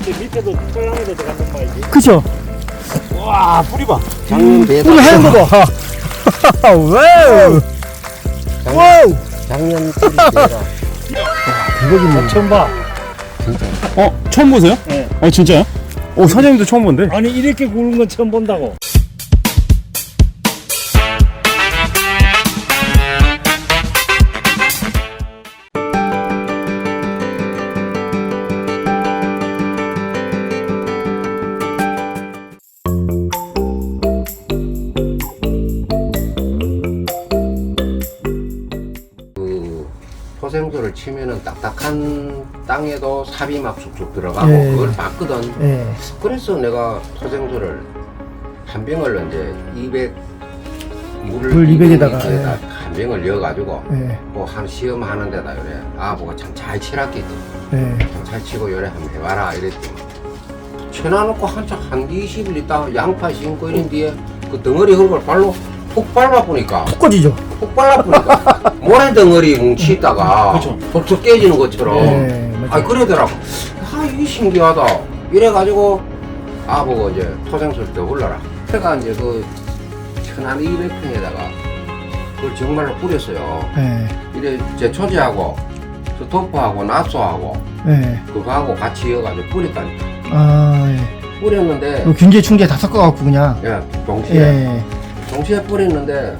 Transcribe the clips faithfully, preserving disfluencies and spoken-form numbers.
밑에도 토양에도 들어간단 말이지. 그죠? 와, 뿌리 봐. 작년 대다. 뿌리 하얀 거 봐. 와우. 와우. 작년 뿌리 대다. 대박이네. 처음 봐. 진짜. 어? 처음 보세요? 네. 어 진짜요? 어 사장님도 처음 본데? 아니, 이렇게 구는 건 처음 본다고. 그 토생수를 치면은 딱딱한 땅에도 삽이 막 쑥쑥 들어가고 예. 그걸 봤거든. 예. 그래서 내가 토생수를 한 병을 이제 이백 물을 물 이백에다가, 리터에다 예. 한 병을 넣어가지고 예. 뭐한 시험 하는 데다 요래 아 뭐가 참 잘 치랐겠지. 예. 참 잘 치고 요래 한번 해봐라 이랬지. 쳐놔놓고 한참 한 이십 일 있다가 양파 심고 이런 뒤에 그 덩어리 흙을 발로 푹 밟아보니까 푹 꺼지죠? 푹 발라보니까 모래 덩어리 뭉치다가 그쵸. 벌써 깨지는 것처럼 예. 아 맞아요. 그러더라고. 아 이게 신기하다 이래가지고 아 보고 이제 토생수를 더 불러라. 제가 이제 그 천안 이백 평에다가 그걸 정말로 뿌렸어요. 예. 이래 제 초제하고 저 도포하고 나소하고 예. 그거하고 같이 이어가지고 뿌렸다니까. 아, 예. 뿌렸는데 그 균제 충제 다 섞어갖고 그냥. 예 동시에 예. 동시에 뿌렸는데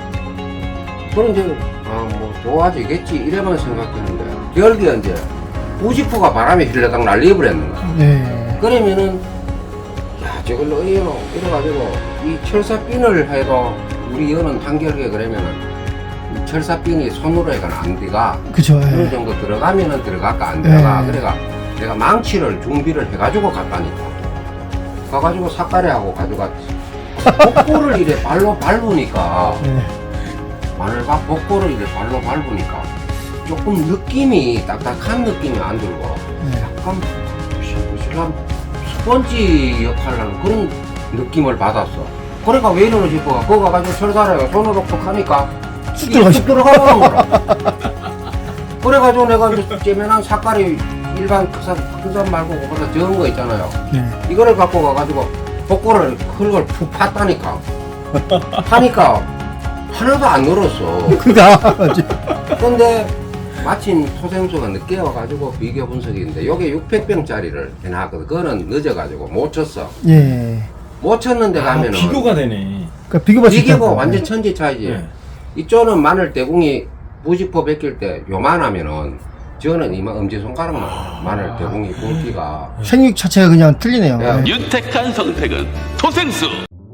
그런데 아 뭐 좋아지겠지 이래만 생각했는데 결국에 이제 부직포가 바람에 힐러당 날려버렸는 거야. 예. 그러면은 야 저걸 어이노 이래가지고 이 철사핀을 해도 우리 여는 한결계 그러면은 이 철사핀이 손으로 해가 안 들어가. 그쵸. 어느 예. 정도 들어가면은 들어갈까 안 들어가. 네. 그래가 내가 망치를 준비를 해가지고 갔다니까. 가가지고 삿가래하고 가져갔지. 복고를 이래 발로 밟으니까 예. 마늘밥 복고를 이래 발로 밟으니까 조금 느낌이 딱딱한 느낌이 안 들고 예. 약간 실실한 스펀지 역할을 하는 그런 느낌을 받았어. 그래가 왜 이러는 싶어. 그거 가가지고 철사래가 손으로 푹 하니까 쑥 이게 쑥 들어가시- 들어가는 거라. 그래가지고 내가 이제 째면한 삭갈이 일반 큰산 큰산 말고 그보다 적은 거 있잖아요. 예. 이거를 갖고 가가지고 복고를 흙을 푹 팠다니까. 파니까 하나도 안 늘었어. 그니까. 근데 마침 토생수가 늦게 와가지고 비교 분석인데 요게 육백 병짜리를 해놨거든. 그거는 늦어가지고 못 쳤어. 예. 못 쳤는데 아, 가면은 비교가 되네. 그러니까 비교가 비교가 완전 천지 차이지. 네. 이쪽은 마늘 대궁이 부직포 벗길 때 요만하면은 저는 이만 엄지손가락만 마늘 대궁이 굵기가 생육 자체가 그냥 틀리네요. 야. 예. 윤택한 선택은 토생수.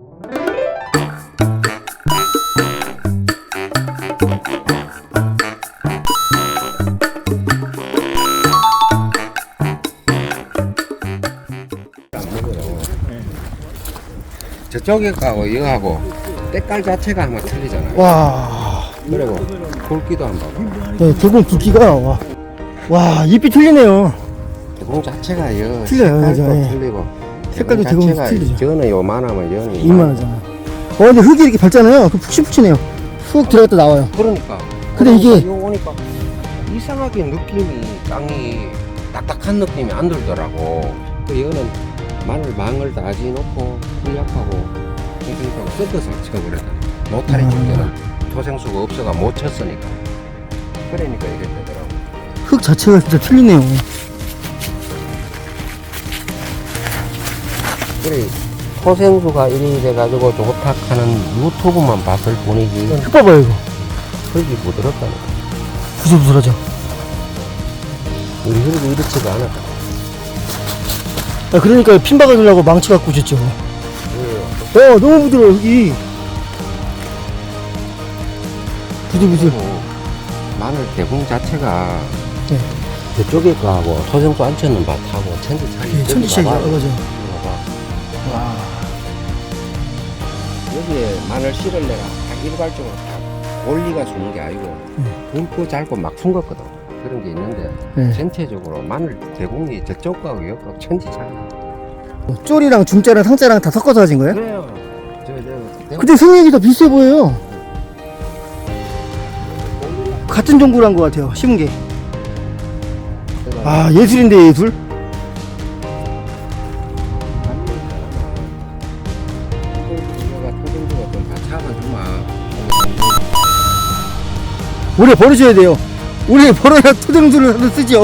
저쪽에 가고 이거하고 때깔 자체가 한번 틀리잖아요. 와. 그리고 굵기도 한번 봐봐. 네, 대공 굵기가 와. 와, 잎이 틀리네요. 대궁 자체가 여 틀려요, 색깔도 그죠? 예. 틀리고 색깔도 대궁 대궁이 자체가 틀리죠. 저는 요만하면 여는 이만하잖아. 어, 근데 흙이 이렇게 밝잖아요. 그 푹신푹신해요. 훅 들어갔다 나와요. 그러니까 근데 이게- 요 오니까 이상하게 느낌이 땅이 딱딱한 느낌이 안 들더라고. 그 이거는 마늘 망을 다 지놓고 풀약하고 생생하고 뜯어서 쳐버렸다. 노타리 음. 줄 때는 토생수가 없어가 못 쳤으니까. 그러니까 이게 되더라고. 흙 자체가 진짜 틀리네요. 그래 토생수가 이리 돼가지고 좋다 하는 유튜브만 봤을 뿐이지 흙 봐봐요, 이거. 흙이 부드럽다니까. 부들부들하죠. 우리 흙이 이렇지가 않아. 아, 그러니까 핀 박아주려고 망치 갖고 오셨죠. 그래요. 어, 너무 부드러워, 흙이. 부들부들. 그리고 마늘 대궁 자체가 네. 저쪽에 거하고 토생수 안 쳤는 밭하고 천지 차이. 예, 천지 차이죠. 어, 맞아요. 봐봐. 와. 여기에 마늘 씨를 내가 다 일괄적으로 다 원리가 주는 게 아니고 굵고 짧고 막 숨겼거든. 그런 게 있는데 네. 전체적으로 마늘 대궁이 저쪽 거하고 여기하고 천지 차이. 쫄이랑 중자랑 상자랑 다 섞어서 하신 거예요? 그래요. 저, 저, 근데 생육이 더 비슷해 보여요. 같은 종구로 한 것 같아요, 심은 게. 내가 아, 예술인데, 예술? 올해 버리셔야 돼요. 올해 버려야 토종수를 쓰죠.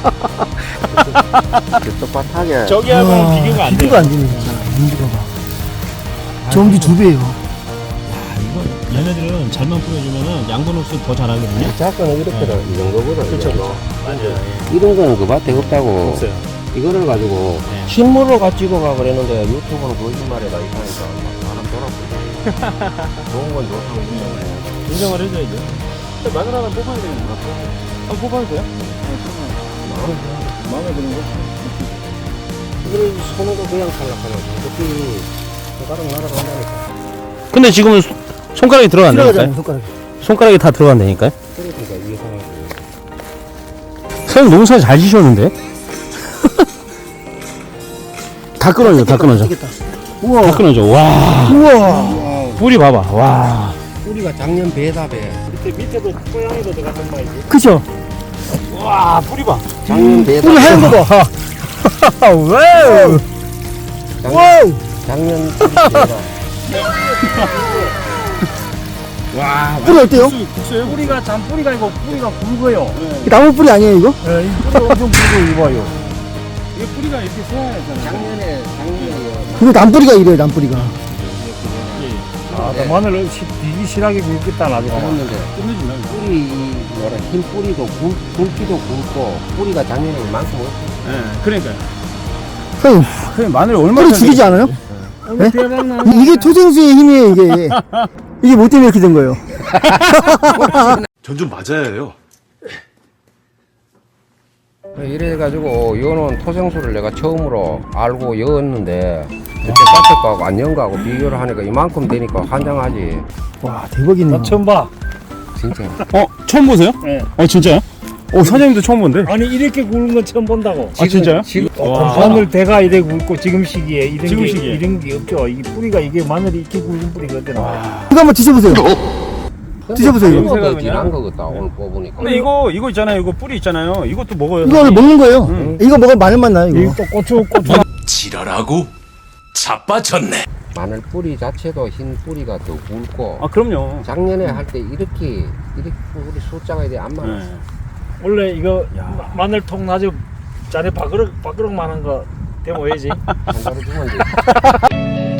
똑같하게 저기하고는 비교가 안 돼요. 비교가 안 되네 진짜. 연기가 봐. 전기 두 배예요. 이거 얘네들은 잘만 뿌려주면은 양분 흡수 더 잘하거든요. 작거는 이렇게 이 정도거든. 그렇죠, 이거. 그렇죠. 맞아요. 이런 거는 그 밭에 없다고. 없어요. 이거를 가지고 네. 식물로 가지고 가 그랬는데 유튜브는 거짓말이다 이러니까 막 사람 돌아보고 좋은 건 좋다고 인정을 해. 인정을 해줘야죠. 마늘 하나 뽑아야 되는 거 같아요. 아, 뽑아도 돼요? 마음에 드는 거? 이걸 손으로 그냥 탈락하면 어떻게 손가락 날아간다니까. 근데 지금은 손- 손가락이 들어간다니까요? 들어가잖아요 손가락. 손가락이 다 들어간다니까요? 그러니까 이게 상황이. 사장님 농사 잘 지셨는데? 다 끊어져, 다 끊어져. 되겠다. 다 우와. 끊어져. 와. 우와. 뿌리 봐봐. 와. 뿌리가 작년 배다 배. 밑에, 밑에도 고양이도 들어갔단 말이지. 그쵸? 와, 뿌리 봐. 작년 배다. 뿌리 하얀 거 봐. 와우. 작년, 와우. 작년 뿌리 배다. 와, 뿌리 어때요? 국수예요? 뿌리가 참 뿌리가 아니고 뿌리가 굵어요. 나무 뿌리 아니에요 이거? 네, 이 뿌리가 엄청 굵고 이거 봐요. 이게 뿌리가 이렇게 세야잖아요. 작년에 작년에 그거 남뿌리가 이래요 남뿌리가. 아, 나 마늘 시- 되게 실하게 굵겠다 나중에. 그랬는데 끝내준다. 뿌리 이 뭐라 흰 뿌리도 굵, 굵기도 굵고 뿌리가 작년에 이만큼 없어. 네, 그러니까요. 선생님 그래 마늘 얼마나 뿌리 죽이지 않아요? 네? 대박나. 이- 이게 토생수의 힘이에요 이게. 이게 뭐 때문에 이렇게 된 거예요? 전 좀 맞아야 해요. 이래가지고 요는 토생수를 내가 처음으로 알고 여었는데 그때 깎을 거하고 안 연 거하고 비교를 하니까 이만큼 되니까 환장하지. 와 대박이네요. 나 처음 봐. 진짜. 어, 처음 보세요? 네. 어, 진짜요? 어, 사장님도 처음 본데? 아니 이렇게 굵은 건 처음 본다고. 아, 진짜요? 지금 와. 마늘 대가 이래 굵고 지금 시기에 이런 지금 게 시기에. 이런 게 없죠. 이 뿌리가 이게 마늘이 이렇게 굵은 뿌리가 어디 나와? 이거 한번 드셔보세요. 드셔보세요, 이거. 이거 더 그냥. 진한 거 같다 오늘 뽑으니까. 근데 이거, 이거 있잖아요. 이거 뿌리 있잖아요. 이것도 먹어요. 이거 사장님. 먹는 거예요. 응. 이거 먹으면 마늘맛 나요 이거 이거. 또 고추 고추. 지랄하고 자빠졌네. 마늘 뿌리 자체도 흰 뿌리가 더 굵고 아, 그럼요. 작년에 할 때 이렇게 이렇게 우리 숫자가 이래 안 많았어. 네. 원래 이거 마- 마늘통 나죠. 자네 밥그릇 밥그릇만한 거 대모해야지. 한 자루 주면 돼.